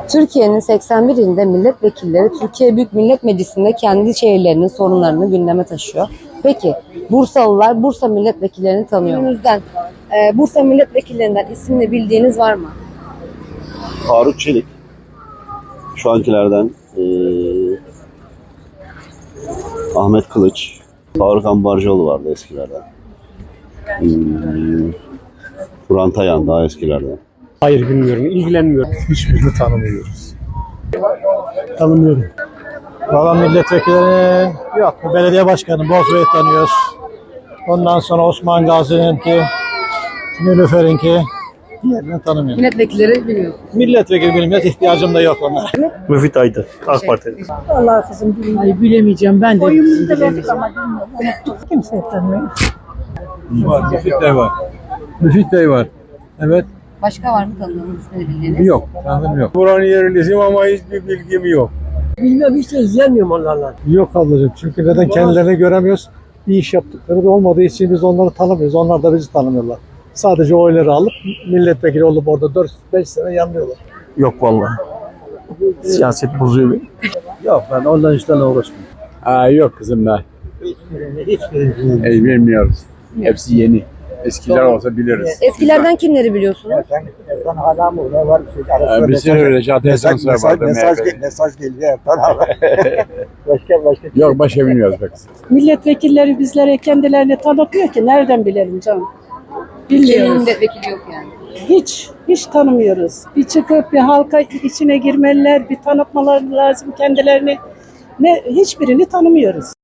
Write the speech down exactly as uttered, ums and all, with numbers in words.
Türkiye'nin seksen bir ilinde milletvekilleri Türkiye Büyük Millet Meclisi'nde kendi şehirlerinin sorunlarını gündeme taşıyor. Peki Bursalılar Bursa milletvekillerini tanıyor mu? Günümüzden e, Bursa milletvekillerinden isimli bildiğiniz var mı? Faruk Çelik. Şu ankilerden ee, Ahmet Kılıç. Faruk Ambarcıoğlu vardı eskilerden. Hmm, Turan Tayan daha eskilerden. Hayır, bilmiyorum, ilgilenmiyorum. Hiçbirini tanımıyoruz. Tanımıyorum. Valla milletvekilleri yok. Belediye başkanı Bozbey'i tanıyoruz. Ondan sonra Osman Gazi'ninki, Nilüfer'inki, diğerini tanımıyorum. Milletvekilleri bilmiyorum. Milletvekili bilmez, ihtiyacım da yok onlara. Müfit Aydın, AK Parti. Allah kızım bilmiyorum. Bilemeyeceğim ben de. Oyumuzu da verdik ama bilmiyorum. Unuttuk. Kimse tanımıyor. Var, Müfit Bey var. Müfit Bey var. Evet. Başka var mı tanıdığınız ismini bildiğiniz? Yok, tanıdım yok. Buranın yerlisiyim ama hiçbir bilgim yok. Bilmiyorum, hiç de izlemiyorum onlarla. Yok ablacığım, çünkü neden kendilerini göremiyoruz. Bir iş yaptıkları da olmadığı için biz onları tanımıyoruz. Onlar da bizi tanımıyorlar. Sadece oyları alıp milletvekili olup orada dört beş sene yanlıyorlar. Yok vallahi. Siyaset bozuyor beni. Yok, ben ondan işlerle uğraşmıyorum. Aa, yok kızım ben. Hiçbirini, hiçbirini. Ey, bilmiyoruz. Hepsi yeni. Eskiler olsa biliriz. Eskilerden kimleri biliyorsunuz? Ertan, Ertan hala mı? Ne var bir şey? Ee, bir sürü öyle Caddesi Sansar vardı. mesaj, mesaj geliyor Ertan abi. başka başka. Yok, başka bilmiyoruz be kızım. Milletvekilleri bizlere kendilerini tanıtmıyor ki. Nereden bilelim canım? Türkiye'nin Bilmiyoruz. milletvekili yok yani. Hiç, hiç tanımıyoruz. Bir çıkıp bir halka içine girmeliler, bir tanıtmaları lazım kendilerini. Ne, hiçbirini tanımıyoruz.